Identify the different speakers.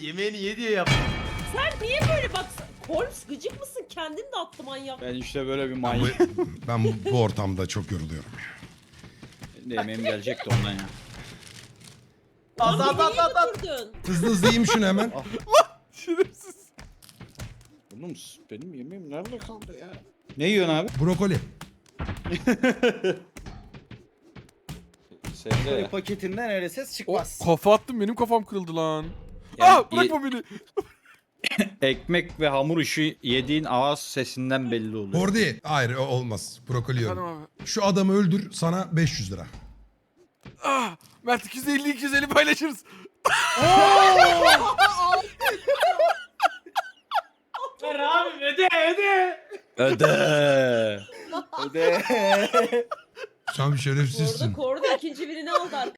Speaker 1: Yemeğini ye diye yaptım.
Speaker 2: Sen niye böyle bak? Holmes gıcık mısın? Kendin de attı manyak.
Speaker 3: Ben işte böyle bir
Speaker 4: Bu-
Speaker 3: manyak.
Speaker 4: Ben bu ortamda çok yoruluyorum.
Speaker 3: Yemeğim gelecekti ondan ya.
Speaker 1: At
Speaker 2: Lan
Speaker 1: at
Speaker 2: beni
Speaker 1: at
Speaker 2: niye
Speaker 1: at at.
Speaker 2: götürdün?
Speaker 4: Hızlı hızlı yiyeyim şunu hemen.
Speaker 5: Şerefsiz.
Speaker 3: Oğlum benim yemeğim nerede kaldı ya? Ne yiyorsun abi?
Speaker 4: Brokoli.
Speaker 3: Sebze.
Speaker 6: Paketinden öyle ses
Speaker 5: O,
Speaker 6: çıkmaz.
Speaker 5: kafa attım benim kafam kırıldı lan.
Speaker 3: Yani
Speaker 5: Bırakma beni.
Speaker 3: ekmek ve hamur işi yediğin ağız sesinden belli oluyor.
Speaker 4: Hordi. Hayır o olmaz. Brokoli yiyorum.
Speaker 5: Tamam abi.
Speaker 4: Şu adamı öldür sana 500 lira.
Speaker 5: Mert 250 paylaşırız.
Speaker 1: Ver abi öde öde.
Speaker 3: Öde.
Speaker 6: Öde.
Speaker 4: Sen bir
Speaker 2: Bu arada
Speaker 4: şerefsizsin.
Speaker 2: Korda ikinci birini aldı